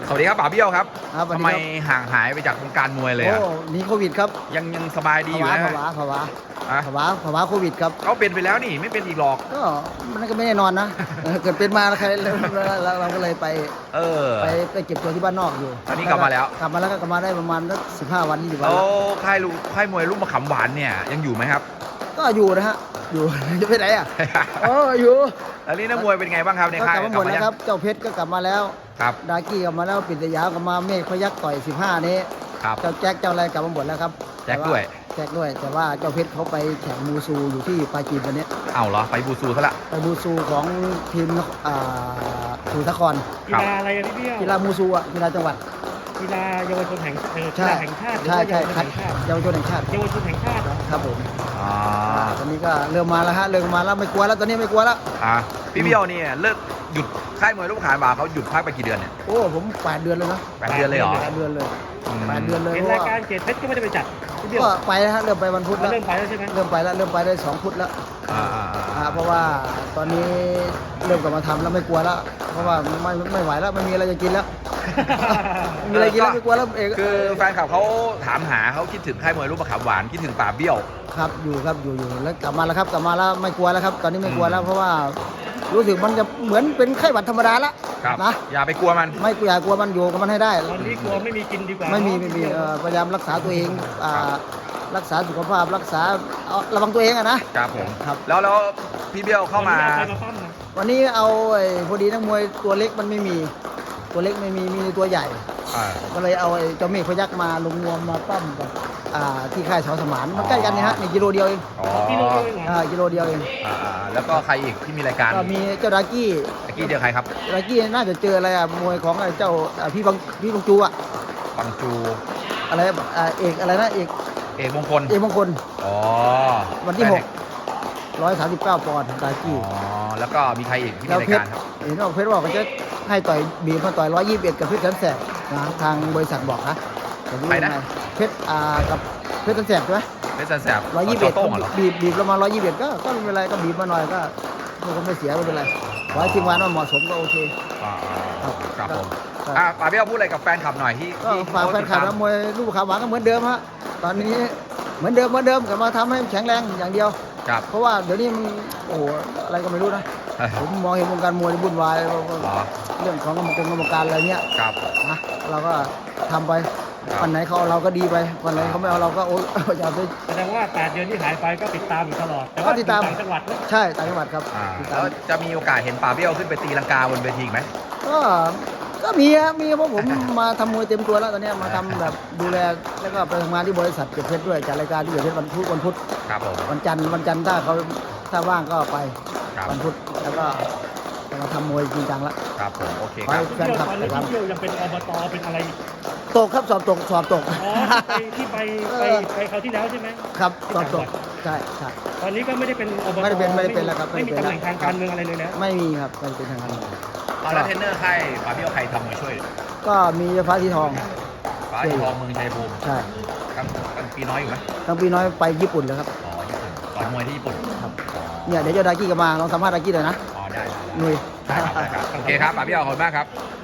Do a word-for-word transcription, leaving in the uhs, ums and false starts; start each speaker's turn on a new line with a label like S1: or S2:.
S1: สวัสดีครับป๋าเบี้ยวครับ
S2: ครับสวัส
S1: ทำ
S2: ดี
S1: ไม
S2: ครับ
S1: ห่างหายไปจากวงการมวยเลย
S2: โอ้
S1: อะ
S2: หนีโควิดครับ
S1: ยังยังสบายดีอยู่
S2: ภาวะ
S1: นะ
S2: ภาวะภาวะ
S1: อะ
S2: ภาวะภาวะโควิดครับ
S1: เขาเป็นไปแล้วนี่ไม่เป็นอีกหรอก
S2: ก็มันก็ไม่แน่นอนนะ เออเกิดเป็นมาแล้วใครเราเราเราก็เลยไป
S1: เออ
S2: ไปไปเก็บตัวที่บ้านนอกอยู่
S1: ตอนนี้กลับมาแล้ว
S2: กลับมาแล้วก็กลับมาได้ประมาณสักสิบห้าวันยี่สิบวัน
S1: แล้
S2: แล้ว ว
S1: ค่ายลูค่ายมวยลูกมะขามหวานเนี่ยยังอยู่ไหมครับ
S2: ก็อยู่นะฮะอยู่ จะไปไหนอ่ะเอออยู่
S1: แล้วนี่นักมวยเป็นไงบ้างครับใน
S2: ก็
S1: ค่าย
S2: กลับมาหมดแล้วครับเจ้าเพชรก็กลับมาแล้ว
S1: ครับ
S2: ดากี้กลับมาแล้วปิดสยามกลับมาเมฆพยักต่อยสิบห้านี้
S1: ครับ
S2: เจ้าแจ็คเจ้าอะไรกลับมาหมดแล้วครับ
S1: แจ็คด้วย
S2: แจ็คด้วยแต่ว่าเจ้าเพชรเขาไปแข่งมูซูอยู่ที่ปาจีนวันนี้
S1: เอ้าเหรอไปบูซูซะละ
S2: ไปมูซูของทีมอ่าสุทรคร
S3: กีฬาอะไรอะพี่เบี้ยว
S2: กีฬามูซูอ่ะกีฬาจังหวัด
S3: กีฬาเยาวชนแห่งเออกี
S2: ใช่
S3: ฬาแห่งชาติหรือ
S2: ใช่
S3: ว่า
S2: ใช่
S3: เยาวชน
S2: ครับ
S3: แห่งชาติ
S2: เยาวชนแห่งชาติ
S3: เยาวชนแห่งชาติเหรอ
S2: ครับผม
S1: อ่า
S2: ตอนนี้ก็เริ่มมาแล้วฮะเริ่มมาแล้วไม่กลัวแล้วตอนนี้ไม่กลัวแล้ว
S1: อ่ะพี่เบี้ยวเนี่ยเลิกหยุดค่ายมวยลูกมะขามหวานเขาหยุดพักไปกี่เดือนเนี่ย
S2: โอ้ผมแปดเดือนเลยนะ
S1: แปดเดือนเลยเหรอ
S2: แปดเดือนเลย
S1: อืม
S2: แปดเดือนเลย
S3: เห็น
S2: เพราะ
S3: ราย
S2: ว่า
S3: การเกตเพชรก็ไม่ได้ไปจัดพี่เบี้ยว
S2: ก็ไปแล้วฮะเริ่มไปวันพุธแล้ว
S3: เริ่มไปแล้วใช่ไหม
S2: เริ่มไปแล้วเริ่มไปได้สองพุธแล้ว
S1: อ่าอ่าอ่า
S2: อ่าเพราะว่าตอนนี้เริ่มกลับมาทำแล้วไม่กลัวแล้ว เพราะว่าไม่ไม่ไหวแล้วไม่มีอะไรจะกินแล้ว ไม่มีอะไรกินแล้วไม่กลัวแล้วเอก
S1: คือแฟนคลับเขาถามหาเขาคิดถึงค่ายมวยลูกมะขามหวานคิดถึงป่าเบี้ยว
S2: ครับอยู่ครับอยู่อยู่แล้วกลับมาแล้วครับกลับมาแล้วไม่กลัวแล้วครับ ตอนนี้ไม่กลัวแล้วเพราะว่ารู้สึกมันจะเหมือนเป็นไข้หวัดธรรมดาละ
S1: ครับ
S2: นะ
S1: อย่าไปกลัวมัน
S2: ไม่กลัวอย่ากลัวมันอยู่กับมันให้ได้
S3: ตอนนี้กลัวไม่มีกินดีกว่า
S2: ไม่มีไม่มีเอ่อพยายามรักษาตัวเองอ่ารักษาสุขภาพรักษาเอาระวังตัวเองอะนะครับ
S1: ผม
S2: ครับ
S1: แล้วแล้วพี่เบี้ยวเข้ามา
S3: วันนี้อใครมาปั้มนะ
S2: วันนี้เอาไอ้พอดีนักมวยตัวเล็กมันไม่มี ตัวเล็กไม่มีมีตัวใหญ่
S1: อ่า
S2: ก็เลยเอาไอ้เจ้าเมฆพยักมาลงนวมมาปั้มกับอ่าที่ค่ายชาวสมานมันใกล้กันเนี่ยฮะนี่กิโลเดียวเอง
S1: อ๋อ
S3: พี่โลเดียวเองเหรอ
S2: อ่ากิโลเดียวเอง
S1: อ่าอ่าแล้วก็ใครอีกที่มีรายการ
S2: ก็มีเจ้าดากี้
S1: ตะกี้เดียวใครครับ
S2: ดากี้น่าจะเจออะไรอ่ะมวยของไอ้เจ้าอ่าพี่บังพี่บังจูอ่ะ
S1: บังจู
S2: อะไรอ่าเอกอะไรนะเอก
S1: เอกมงคล
S2: เอกมงคล
S1: อ๋อ
S2: วันที่หกร้อยสามสิบเก้าปอนด์ดา
S1: อ๋
S2: กี้
S1: อแล้วก็มีใครอีกที่มี
S2: แล้ว
S1: ราย
S2: เพช
S1: การ
S2: ร
S1: ครับ
S2: เห็นว่าเพชรบอกว่าจะให้ต่อยบีบมาต่อยร้อยยี่สิบเอ็ดกับเพชรแสนแสบนะทางบริษัทบอกนะแต่รู้ยังไงเพชรอ่ากับเพชรแสนแสบใช่ไหม
S1: เพชรแสบ
S2: ร้อยยี่สิบเอ็ด
S1: โต้งเหรอ
S2: บีบบีบประมาณร้อยยี่สิบเอ็ดก็ก็ไม่เป็นไรก็บีบมาหน่อยก็ก็ไม่เสียไม่เป็นไรขอให้ทีมงานมันเหมาะสมก็โอเค
S1: อ่าอ่าครับผม
S2: ครับ
S1: อ่ะป่าเบี้ยวพูดอะไรกับแฟนคลับหน่อยที่
S2: ก็
S1: ที่
S2: ฝากแฟนคลับ
S1: เข
S2: นั
S1: ติ
S2: ก
S1: ด
S2: มวยลูกขาวหวานก็เหมือนเดิมฮะตอนนี้เหมือนเดิมเหมือนเดิมกลับมาทำให้แข็งแรงอย่างเดียว
S1: ครับ
S2: เพราะว่าเดี๋ยวนี้มันโอ้โหอะไรก็ไม่รู้นะ
S1: เอ้ย
S2: ผมมองเห็นวงการมวยวุ่นวาย
S1: อ๋อ
S2: เรื่องของกรรมกรกรรมการอะไรเนี้ย
S1: ครับ
S2: นะเราก็ทำไป
S1: ครับ
S2: วันไหนเขาเอาเราก็ดีไปวันไหนเขาไม่เอาเราก็โอ้ อย่าไป
S3: แสดงว่าแปดเดือนที่หายไปก็ติดตามอยู่ตลอด แต่
S2: ก็
S3: ว่า
S2: ติดตาม
S3: อยู่ต่างจังหวัดนะ
S2: ใช่ต่างจังหวัดครับ
S1: อ่า
S2: ติด
S1: แล้
S2: ตาม
S1: วจะมีโอกาสเห็นป่าเบี้ยวขึ้นไปตีลังกาบนเวทีอีกไหม
S2: ก็ก็มีฮะมีเพราะผม มาทำมวยเต็มตัวแล้วตอนเนี้ยมาทำแบบดูแลแล้วก็ไปทำงานที่บริษัทเก็บเพชรด้วยจัดรายการที่เก็บเพชรวันพุธวันพุธ
S1: ครับผม
S2: วันจันทร์วันจันทร์ถ้าเขาถ้าว่างก็ไป
S1: ครับ
S2: วันพุธแล้วก็จะมาทำมวยจริงจังละ
S1: ครับผมโอเค
S2: ไป
S1: ครับ
S2: แฟนคลับ
S3: ตอน
S2: ไป
S3: นี้
S2: ครับ
S3: พี่เบี้ยวยังเป็นอบตเป็นอะไรอีก
S2: ตกครับสอบตกสอบตก
S3: อ๋อที่ไปที่ไปไปไปคราวที่แล้วใช่ไหม
S2: ครับสอบตกใช่ใช่
S3: ตอนนี้ก็ไม่ได้เป็นอบต
S2: ไม่ได้เป็นไม่ได้เป็นแล้วครับ
S3: ไม่มี
S2: ไม่ได้เป็น
S3: ตำแหน่งทางการเมืองอะไรเลยนะ
S2: ไม่มีครับไม่เป็นทางการ
S1: เอาแล้วเทรนเนอร์ค่ายป่าเบี้ยวใครทำมวยช่วย
S2: ก็มีฟ้าสีทอง
S1: ฟ้าที่ทองเมืองชัยภูมิ
S2: ใช่
S1: กลางกลางปีน้อยอยู่ไหม
S2: ทั้งปีน้อยไปญี่ปุ่นแล้วครับ
S1: อ๋อญี่ปุ่นต่อยมวยที่ญี่ปุ่น
S2: ครับ
S1: อ๋อ
S2: เนี่ยเดี๋ยวเจ้าดากี้ก็มาลองสัมภาษณ์ดากี้หน่อยนะ
S1: อ๋อได้ได้
S2: หนุย
S1: ได้ครับได้ครับโอเคครับป่าเบี้ยวขอบคุณมากครับ